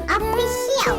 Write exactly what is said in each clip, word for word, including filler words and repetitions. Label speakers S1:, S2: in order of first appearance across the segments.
S1: Official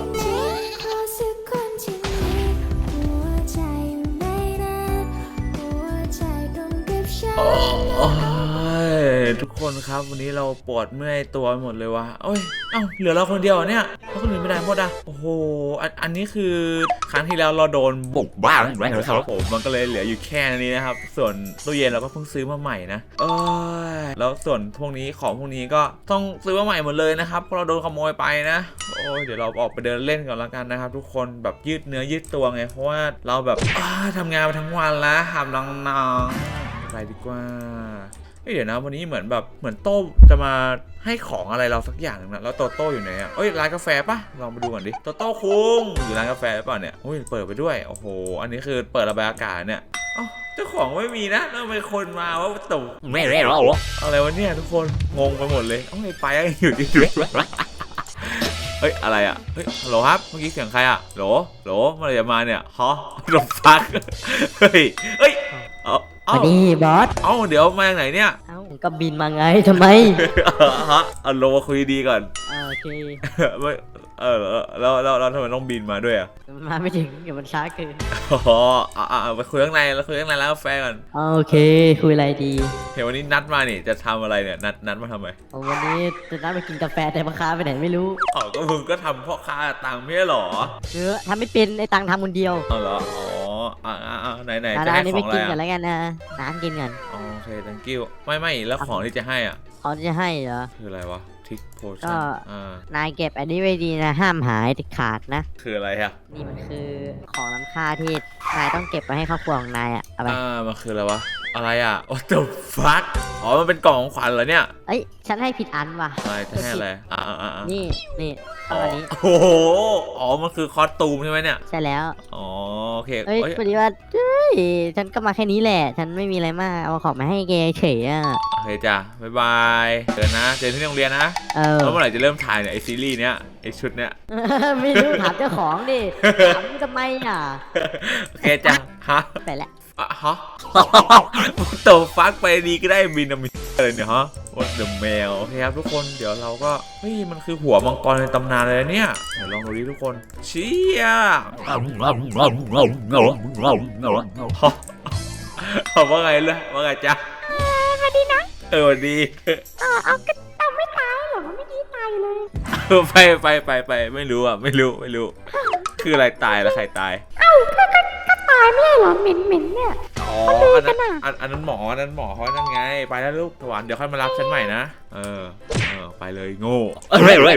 S2: โอ้ยทุกคนครับวันนี้เราปวดเมื่อยตัวหมดเลยวะเอ้ยเอ้าเหลือเราคนเดียวเนี่ยแล้วคนอื่นไม่ได้หมดอ่ะโอ้โหอันอันนี้คือครั้งที่แล้วเราโดนบุกบ้านแรงครับผมมันก็เลยเหลืออยู่แค่นี้นะครับส่วนตู้เย็นเราก็เพิ่งซื้อมาใหม่นะเอ้ยแล้วส่วนพวกนี้ของพวกนี้ก็ต้องซื้อมาใหม่หมดเลยนะครับเพราะเราโดนขโมยไปนะโอ้ยเดี๋ยวเราออกไปเดินเล่นก่อนละกันนะครับทุกคนแบบยืดเนื้อยืดตัวไงเพราะว่าเราแบบทำงานมาทั้งวันแล้วทำน้องๆไปดีกว่าเดี๋ยวนะวันนี้เหมือนแบบเหมือนโต้จะมาให้ของอะไรเราสักอย่างนึงนะแล้วโตโต้อยู่ไหนอ่ะเอ้ยร้านกาแฟปะลองไปดูก่อนดิโตโต้คุงอยู่ร้านกาแฟหรือเปล่าเนี่ยโอ้ยเปิดไปด้วยโอ้โหอันนี้คือเปิดระบายอากาศเนี่ยเอ้าเจ้าของไม่มีนะแล้วเป็นคนมาว่าตุ่มไม่ได้หรออะไรวะเนี่ยทุกคนงงไปหมดเลยเอ้ยไปอยู่ดิเฮ้ยอะไรอ่ะเฮ้ยฮัลโหลครับเมื่อกี้เสียงใครอ่ะโหลโหลเมื่อไรจะมาเนี่ยฮะลมฟักเฮ้ยเฮ้ยเอา
S3: สวัสดีบอส
S2: เอ้าเดี๋ยวมาจากไหนเนี่ย
S3: เอ้าก็บินมาไงทำไม
S2: ฮะเอาลงมาคุยดีก่อน
S3: โอเค
S2: ไม่เออแล้วแล้วแล้วทำไมต้องบินมาด้วยอ่ะ
S3: มาไม่ถึงเดี๋ยวมันช้าเกิน
S2: อ๋ออ่าไปคุยข้างในแล้วคุยข้างในแล้วกาแฟก่อน
S3: โอเคคุยอะไรดี
S2: เห็นวันนี้นัดมานี่จะทำอะไรเนี่ยนัดนัดมาทำไม
S3: วันนี้จะนัดไปกินกาแฟแต่พ่อค้าไปไหนไม่รู้
S2: อ๋อก็มึงก็ทำพ่อค้าตังค์ไม่ใช่หรอ
S3: เออทำไม่เป็นไอ้ตังทำคนเดียว
S2: อ๋อเหรออ๋ออ่าอ่าไหนไหน
S3: จะให้ของอะไรอ่ะไปกินกันแล้วกันนะน้ำกินกัน
S2: โอเค thank you ไม่ไม่แล้วของที่จะให้อ่ะ
S3: ของที่จะให้เหรอ
S2: คืออะไรวะทิกโพชั่
S3: นอ่านายเก็บอันนี้ไว้ดีนะห้ามหายติดขาดนะ
S2: คืออะไรอ่ะ
S3: นี่มันคือของล้ำค่าที่นายต้องเก็บไว้ให้ครอบครัวของนายอ่ะเอาไป
S2: อ่ามันคืออะไรวะอะไรอ่ะ what the fuck อ๋อมันเป็นกล่องของขวัญเหรอเนี่ย
S3: เอ้ยฉันให้ผิดอันว่ะ
S2: อะไรจะให้อะไรอ่าอ่า
S3: นี่นี่ตอนนี้
S2: โอ้โหอ๋อมันคือคอสตูมใช่ไหมเนี่ย
S3: ใช่แล้ว
S2: อ๋อโอเค
S3: เอ้ยพอดีว่าเฮ้ยฉันก็มาแค่นี้แหละฉันไม่มีอะไรมากเอาของมาให้แกเฉยอ่ะ
S2: โอเคจ้ะบ๊ายบายเจอนะเจอที่โรงเรียนนะ
S3: เออ
S2: แล้วเมื่อไหร่จะเริ่มถ่ายเนี่ยไอซีรีส์เนี้ยไอชุดเนี้ย
S3: ไม่รู้ถามเจ้าของดิถามทำไมอ่ะ
S2: โอเคจ้ะฮะ
S3: ไปแล้ว
S2: อ่ะฮะโตฟักไปดีก็ได้บินามิอะไรเนี่ยฮะวัดเดอะแมวโอเคครับทุกคนเดี๋ยวเราก็เฮ้ยมันคือหัวมังกรในตำนานเลยเนี่ยเดี๋ยวลองดูดิทุกคนเชี่ยเขาว่าไงล่ะว่าไงจ๊ะ
S1: สวัสดีนะ
S2: เออดี
S1: เออเอาก็เอาไม่ตายหรอไม่ดีตายเลย
S2: ไปไปไปไปไม่รู้อ่ะไม่รู้ไม่รู้คืออะไรตายแล้วใครตาย
S1: เอ้าก็ก็ก็ตายไม่ใช่หรอเหม็นเหม็นเนี่ย
S2: อ๋ออันนั้นอันนั้นหมออันนั้นหมอเขานั่นไงไปแล้วลูกถวันเดี๋ยวค่อยมารับฉันใหม่นะเออเออไปเลยโง่เอาไปไป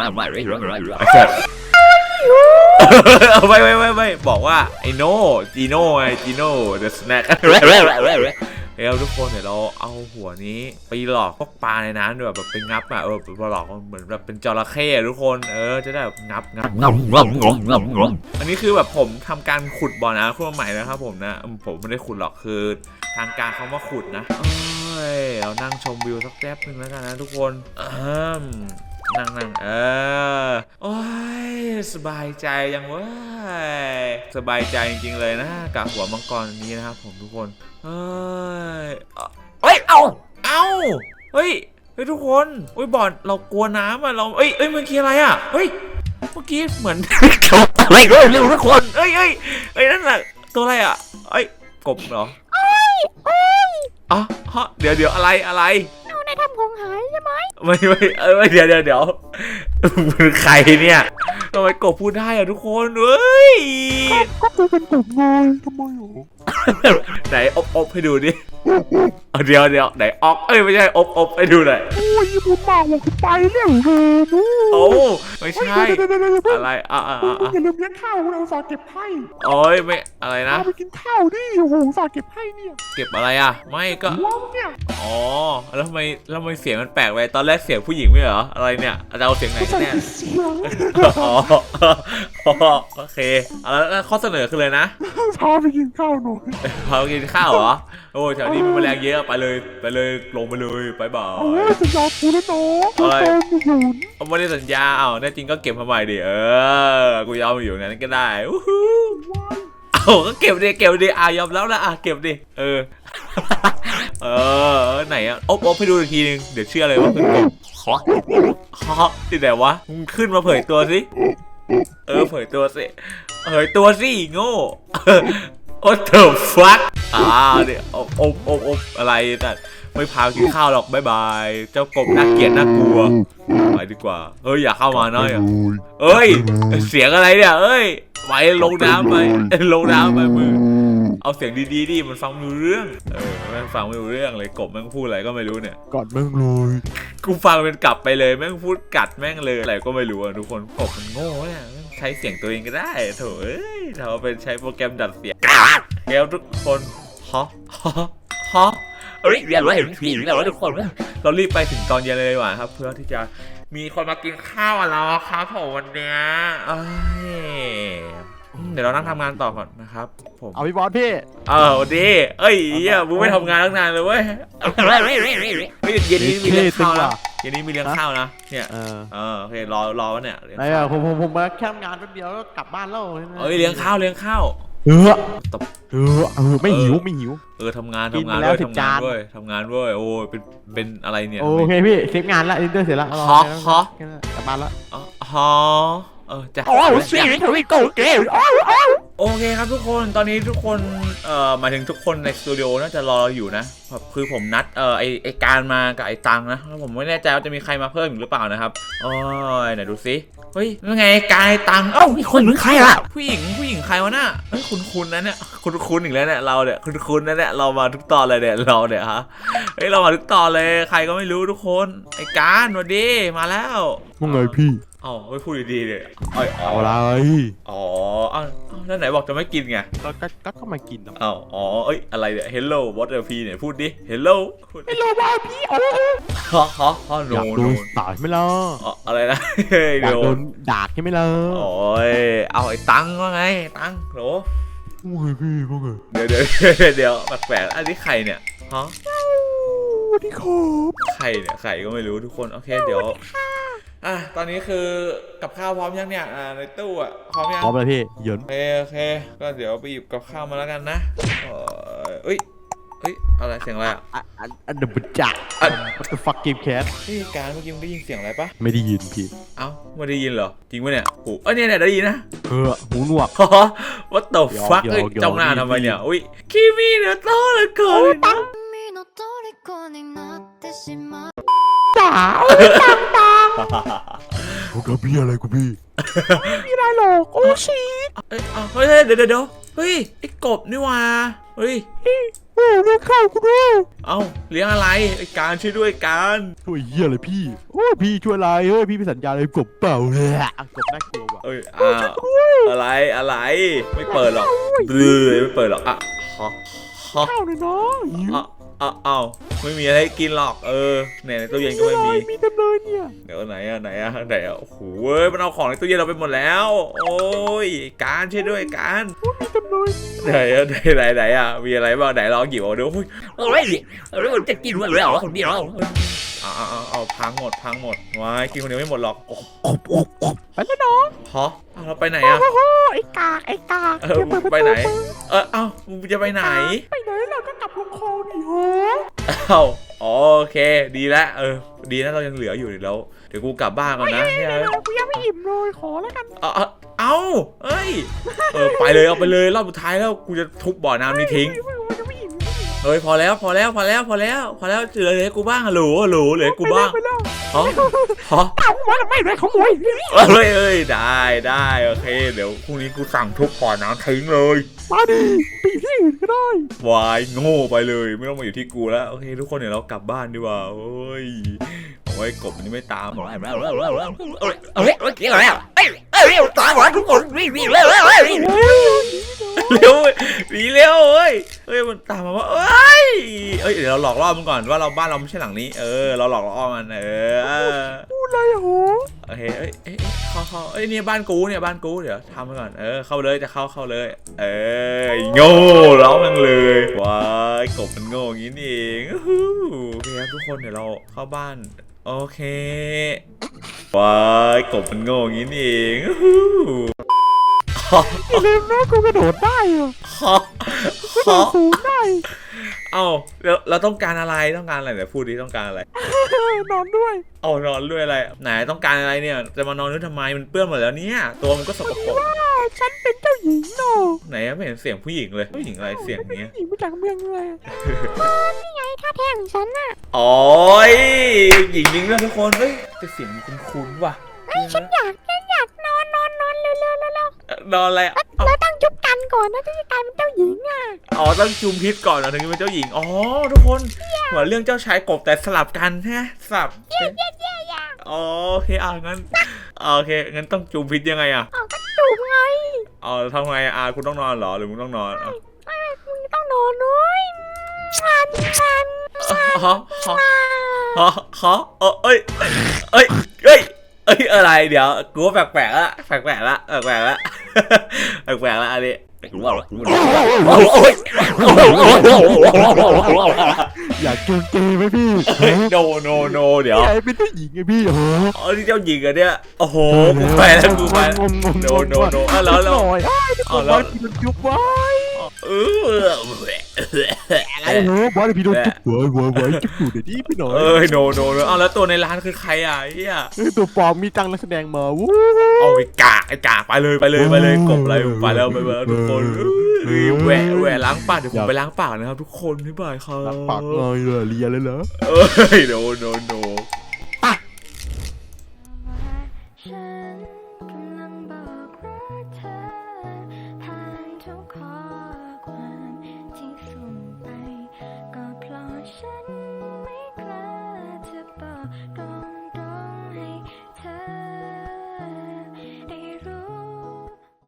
S2: ไปไปบอกว่าไอโน่จีโน่ไงจีโน่เดอะสแน็คเฮ้ยทุกคนเดี๋ยวเราเอาหัวนี้ไปหลอกพวกปลาในน้ำด้วยแบบไปงับอ่ะเออไปหลอกเหมือนแบบเป็นจระเข้ทุกคนเออจะได้แบบงับงับอันนี้คือแบบผมทำการขุดบ่อน้ำขึ้นมาใหม่นะครับผมนะผมไม่ได้ขุดหรอกคือทางการเขามาขุดนะเอ้ยเรานั่งชมวิวสักแป๊บนึงแล้วกันนะทุกคนนั่งนั่งเออโอ้ยสบายใจยังเว้ยสบายใจจริงๆเลยนะกับหัวมังกรนี้นะครับผมทุกคนเฮ้ยเฮ้ยเอาเอาเฮ้ยเฮ้ยทุกคนเฮ้ยบอลเรากลัวน้ำอ่ะเราเอ้ยเอ้ยมันคืออะไรอ่ะเฮ้ยเมื่อกี้เหมือนอะไรเร็วเร็วทุกคนเอ้ยเอ้ยเอ้ยนั่นแหละตัวอะไรอ่ะเอ้ยกบเหรอ
S1: เอ้ยเอ้ย
S2: อ๋อฮะเดี๋ยวเดี๋ยวอะไรอะไร
S1: เอาในทำของหายใช่ไหม
S2: ไม่ไม่เออเดี๋ยวเดี๋ยวเดี๋ยวมึงใครเนี่ยทำไมกบพูดได้อะทุกคนเฮ้ย
S1: ก็คือเป็นกบไงทำไมหรอ
S2: ไหนอบอบให้ดูดิเดี๋ยวเดี๋ยวไหนออกเอ้ยไม่ใช่อบอบให้ดูหน่อย
S1: โอ้ยบุญมาหัวคือไปเรื่องเฮนู
S2: โอ้ไม่ใช่อะไรอ่ะอ่ะอ่ะ
S1: อย่าลืมเลี้ยงข้าวเราสาเก็บให้
S2: โอ้ยไม่อะไรนะ
S1: ไปกินข้าวดิโอ้โหสาเก็บให้เนี่ย
S2: เก็บอะไรอ่ะไม่ก็
S1: ว้าวเนี่ย
S2: อ๋อแล้วทำไมแล้วทำไมเสียงมันแปลกไปตอนแรกเสียงผู้หญิงไม่เหรออะไรเนี่ยจะเอาเสียงไหนแน่อ๋อโอเคแล้วข้อเสนอคือเลยนะ
S1: พาไปกินข้าวหน่อย
S2: พาไปกินข้าวเหรอโอ้แถวนี้มีแมลงเยอะไปเลยไปเลยลงไปเลยไปบ่าว
S1: โอ้ยสัญญากูแล้วเนาะอะไร
S2: เอาไม่ได้สัญญาเอาแน่จริงก็เก็บมาใหม่ดิเออกูยอมอยู่งั้นก็ได้เอาก็เก็บดิเก็บดิอ่ะยอมแล้วนะอ่ะเก็บดิเออเออไหนอะอบอบให้ดูอีกทีนึงเดี๋ยวเชื่อเลยว่าเป็นกบฮะฮะที่ไหนวะมึงขึ้นมาเผยตัวสิเออเผยตัวสิเผยตัวสิโง่โอ้เถอะฟักอ่าเนี่ยอบอบอบอบอะไรแต่ไม่พากินข้าวหรอกบ๊ายบายเจ้ากบน่าเกลียดน่ากลัวไปดีกว่าเฮ้ยอย่าเข้ามาน้อยเอ้ยเสียงอะไรเนี่ยเอ้ยไปลงน้ำไปลงน้ำไปมือเอาเสียงดีๆดิมันฟังไม่รู้เรื่องเออแม่งฟังไม่รู้เรื่องเลยกบแม่งพูดอะไรก็ไม่รู้เนี่ย
S4: กอดแม่งเลย
S2: กูฟังเป็นกลับไปเลยแม่งพูดกัดแม่งเลยอะไรก็ไม่รู้อะทุกคนกบมันโง่เนี่ยใช้เสียงตัวเองก็ได้โถเอ้ยถ้าเอาเป็นใช้โปรแกรมดัดเสียงแล้วทุกคนฮะฮะฮะเอ้ยเรียนรู้เห็นผีแล้วทุกคนเรารีบไปถึงตอนเย็นเลยดีกว่าครับเพื่อที่จะมีคนมากินข้าวกับเราครับผมวันเนี้ยเอ้ยเดี๋ยวเรานั่งทำงานต่อก่อนนะครับผม
S4: เอาพี่บอสพี่
S2: เออวันดีเอ้ยเหี้ยมึงไม่ทำงานตั้งนานเลยเว้ยเฮ้ยเย็นนี้มีเลี้ยงข้าวนะเย็นนี้มีเลี้ยงข้าวนะเนี่ย
S4: เออ
S2: เออโอเครอรอวะเนี่ยเลี้ยง
S4: ไอ้
S2: ข้าว
S4: อะผมผมผมมาแค่ทำงานแป๊บเดียวแล้วกลับบ้านแล้ว
S2: เอ้ยเลี้ยงข้าวเลี้ยงข้าว
S4: เออ
S2: ตบ
S4: เออเออไม่หิวไม่หิว
S2: เออทำงาน
S4: กิน
S2: ทำงาน
S4: ไปแล้
S2: ด้
S4: ว
S2: วย
S4: สิบ
S2: ทำงาน
S4: จาน
S2: ด้วยทำงานด้วยโอ้ยเป็นเป็นอะไรเนี่ย
S4: โอเคพี่เสร็จงานละอินเตอร์เสร็จละ
S2: ฮะฮะ
S4: กลับบ้านละ
S2: อ๋อฮะเออจ้ะ
S4: โอ้เสียงทวีโกเกม
S2: โอเคครับทุกคนตอนนี้ทุกคนเอ่อหมายถึงทุกคนในสตูดิโอน่าจะรอเราอยู่นะคือผมนัดเอ่อไอไอการมากับไอตังนะแล้วผมไม่แน่ใจว่าจะมีใครมาเพิ่มอีกหรือเปล่านะครับโอ้ยไหนดูสิเฮ้ยยังไงการไอตังเอ้ามีคนเหมือนใครล่ะผู้หญิงผู้หญิงใครวะน่ะเฮ้ยคุณคุณนะเนี่ยคุณคุณอีกแล้วเนี่ยเราเนี่ยคุณคุณนะเนี่ยเรามาทุกตอนเลยเนี่ยเราเนี่ยฮะเฮ้ยเรามาทุกตอนเลยใครก็ไม่รู้ทุกคนไอการสวัสดีมาแล้ว
S4: ว่าไงพี่
S2: เอ้าไม่พูดดีๆเลยเอ้ย
S4: เอาอะไร
S2: อ๋ออ้าวแล้วไหนบอกจะไม่กินไง
S4: ก็ก็ก็ก็มากินนะ
S2: อ้าวอ๋อเอ้ยอะไรเนี่ย Hello what are you เนี่ยพูดดิ Hello
S4: ไม่รู้ว่าพี่โอ้
S2: ฮะฮะฮะโน
S4: อยากโด
S2: โน
S4: นด่าใช่ไหมล่ะ
S2: อ๋ออะไรนะเฮ้ย
S4: อยาก
S2: โด
S4: โด
S2: น
S4: นด่าใช่ไหมล่ะ
S2: โอ้ยเอาไอ้ตังว่าไงตังโหร
S4: ว่าไงพี่ว่าไง
S2: เดี๋ยวเดี๋ยวเดี๋ยวแปลกๆอันนี้ใครเนี่ยฮะ
S4: สวัสดีครับ
S2: ใครเนี่ยใครก็ไม่รู้ทุกคนโอเคเดี๋ยวอ่ะตอนนี้คือกับข้าวพร้อมยังเนี่ยอ่าในตู้อ่ะพร้อมยัง
S4: พร้อมแล้วพี่เหยิน
S2: โอเคโอเคก็เดี๋ยวไปหยิบกับข้าวมาแล้วกันนะเอ้ยเอ้ยอะไรเสียงอะไรอ่ะ
S4: อันอันอันเดบจ่า
S2: อัน
S4: What the fuck game cat
S2: นี่การเมื่อกี้มึงได้ยินเสียงอะไรปะ
S4: ไม่ได้ยินพี่
S2: เอ้าไม่ได้ยินเหรอจริงปะเนี่ยโอ้เอ้ยเนี่ยเนี่ยได้ยินนะ
S4: เออหูหนวก
S2: What the fuck
S4: ยอม
S2: เอ้ย
S4: ยอม
S2: จ้องหน้าทำไมเนี่ย
S4: ยอม
S2: อุ้ยคิมิเนี่ยโตเลยเกิน
S5: 君の虜になってしまう
S1: จ๋าเอ้ยตังตัง
S4: โอ้กับพี่อะไรกูพี่
S1: มีอะไรหรอกโอ้ชี
S2: เอ้ยเอาเฮ้ยเฮ้ยเดี๋ยวเดี๋ยวเดี๋ยวเฮ้ยไอ้กบนี่หว่าเฮ้ย
S1: โอ้เรียกข้าวกูด้วย
S2: เอ้าเลี้ยงอะไรไอ้การช่วยด้วยการ
S4: ช่วยเหี้ยอะไรพี่โอ้พี่ช่วยอะไรเฮ้ยพี่ไปสัญญาอะไรกบเปล่าเลยอะกบน่ากลัวว่ะ
S2: เอ้ยอ้าวอะไรอะไรไม่เปิดหรอกเบื่อไม่เปิดหรอกอ่ะฮะฮะ
S1: ข้าวหน่อยน้อง
S2: อ่ะอ่ะอ้าวไม่มีอะไรให้กินหรอกเออเนี่ยในตู้เย็นก็ไม่มี
S1: มีเต็มเลยเนี่ย
S2: เดี๋ยวไหนอะไหนอะไหนอะโอ้โหเว้ยมันเอาของในตู้เย็นเราไปหมดแล้ว โอ้ยการช่วยด้วยการ
S1: มีเต็มเลย
S2: ไหนอะไหนไหนไหนอะมีอะไรบ้างไหนลองหยิบเอาดูอุ้ย
S6: เฮ้ยเฮ้ยจะกินวันแล้วคนเดียว
S2: เอาเอาเอาเอาพังหมดพังหมดว้ายกินคนเดียวไม่หมดหรอก
S1: ไปแล้วน้อง
S2: ฮะเอาเราไปไหนอะ
S1: โอ้โหไอ้กากไอ้กาก
S2: เออมึงไปไหนเออเอ้ามึงจะไปไหน
S1: ไปไหนเราก็กลับลงคลองดิโห
S2: เอ้าอ๋อโอเคดีแล้วเออดีนะเรายังเหลืออยู่เดี๋ยวเดี๋ยวกูกลับบ้านก่อนนะ
S1: เดี๋ยวกูยังไม่อิ่มเลยขอแล้วกัน
S2: เอาเอาเอาเอ้ยเออไปเลยเอาไปเลยรอบสุดท้ายแล้วกูจะทุบบ่อน้ำนี้ทิ้ง
S1: ไม่ไม่ยังไม่อิ่ม
S2: เฮ้ยพอแล้วพอแล้วพอแล้วพอแล้วพอแล้วเหลือเหลือให้กูบ้างอะหลูหลูเหลือให้กูบ้าง
S1: ไปแล้ว
S2: ฮะฮะ
S1: ตามกูมาแล้วไม่ได้ขโมย
S2: เฮ้ยเอ้ยได้ได้โอเคเดี๋ยวพรุ่งนี้กูสั่งทุบบ่อน้ำทิ้งเลย
S1: มาดิไปอยู่ที่อื่นก็ได้
S2: วายโง่ไปเลยไม่ต้องมาอยู่ที่กูแล้วโอเคทุกคนเดี๋ยวเรากลับบ้านดีกว่าโอ้ยโอ้ยกบมันนี่ไม่ตามหรอก
S6: เฮ้ยเฮ้ยเฮ้ยกินอะไรอ่ะเฮ้ยเฮ้ยตายหมดทุกคนวิ่งวิ่งเร็วเร็วเร็ว
S2: เร็วหนีเร็วเอ้ยเอ้ยมันตามมาว่าเอ้ยเอ้ยเดี๋ยวเราหลอกล่อมันก่อนว่าเราบ้านเราไม่ใช่หลังนี้เออเราหลอกล่อมันเออ
S1: พูดอะไรอ่ะโห
S2: โอเคเอ้ยเอ้ยเข้าเข้าเอ้ยเนี่ยบ้านกูเนี่ยบ้านกูเดี๋ยวทำไปก่อนเออเข้าเลยจะเข้าเข้าเลยเออโง่ร้องมันเลยว้ายกบมันโง่อย่างนี้นี่เองโอเคครับทุกคนเดี๋ยวเราเข้าบ้านโอเคว้ายกบมันโง่อย่างนี้นี่เอง
S1: อย่าลืมนะกูกระโดดได้อ่ะ
S2: ฮะ
S1: กระโดดสูงได้
S2: เอ้าเราเราต้องการอะไรต้องการอะไรเดี๋ยวพูดดิต้องการอะไร
S4: นอนด้วย
S2: เอานอนด้วยอะไรไหนต้องการอะไรเนี่ยจะมานอนด้วยทำไมมันเปื้อนหมดแล้วเนี่ยตัวมันก็สกปรก
S4: ฉันเป็นเจ้าหญิงเนาะ
S2: ไหนไม่เห็นเสียงผู้หญิงเลยผู้หญิงอะไรเสียงเนี้ย
S4: หญิงมาจากเมืองเลย
S1: นี่ไงท่าแท้ของฉันน่ะ
S2: โอ้ยหญิงจริงด้วยทุกคนเฮ้ยแต่เสียงมันคุ้นๆว่ะ
S1: เฮ้ยฉันอยากฉันอยากนอนนอนนอนเร็วเร็วเร็วเร็วน
S2: อนอะไรอ่ะ
S1: เราต้องจุบกันก่อนนะที่จะกลายเป็นเจ้าหญิงอ่ะ
S2: อ๋อต้องจุมพิษก่อนนะถึงจะเป็นเจ้าหญิงอ๋อทุกคนเหมือนเรื่องเจ้าชายกบแต่สลับกันใช่ไหมสลับ
S1: เย้เย้เย้เย้
S2: อ๋อโอเคอ่ะงั้นโอเคงั้นต้องจุมพิษยังไงอ่ะ
S1: เอาก็จูบไง
S2: อ๋อทำไงอ่ะคุณต้องนอนเหรอหรือมึงต้องนอนอ่ะ
S1: ไม่มึงต้องนอนด้วยมันมัน
S2: ฮะฮะฮะฮะเออเอ้ยเอ้ยเอ้ยเอ้ยอะไรเดี๋ยวกูว่าแปลกๆละแปลกๆละแปลกๆละแปลกๆละอันนี้
S4: อยากจูงเกย์ไหมพี่
S2: โนโนโนเดี๋ยว
S4: ใหญ่เป็นเจ้าหญิงไงพี่โอ้
S2: อ๋อนี่เจ้าหญิงอะเนี่ยโอ้โหกูไปแล้วกูไปโนโนโนอ่ะแล้วแล้ว
S4: หน่อย
S2: อ๋อ
S4: บ
S2: แล้
S4: อ
S2: ว
S4: สพี่โดนจุ๊บไว้
S2: เออ
S4: โอ้โหบอสพี่โดนจุ๊บหัวหัวหัวจุ๊บอยู่เดี๋ยวนี้พี่หน่อย
S2: เอ้ยโนโนโนอ้าวแล้วตัวในร้านคือใครอ่ะไอ้เหี้ย
S4: เฮ้ยตัวปลอมมีตังนักแสดงมาวู้
S2: เอาไอ้กากไอ้กากไปเลยไปเลยไปเลยกบอะไรไปแล้วไปแล้วทุกคนเอ้ยแหวะแหวะล้างปากเดี๋ยวผมไปล้างปากนะครับทุกคนบ๊ายบายครับ
S4: ปากงอยเลยเลียเลยเหรอ
S2: เอ้ยโนโนโน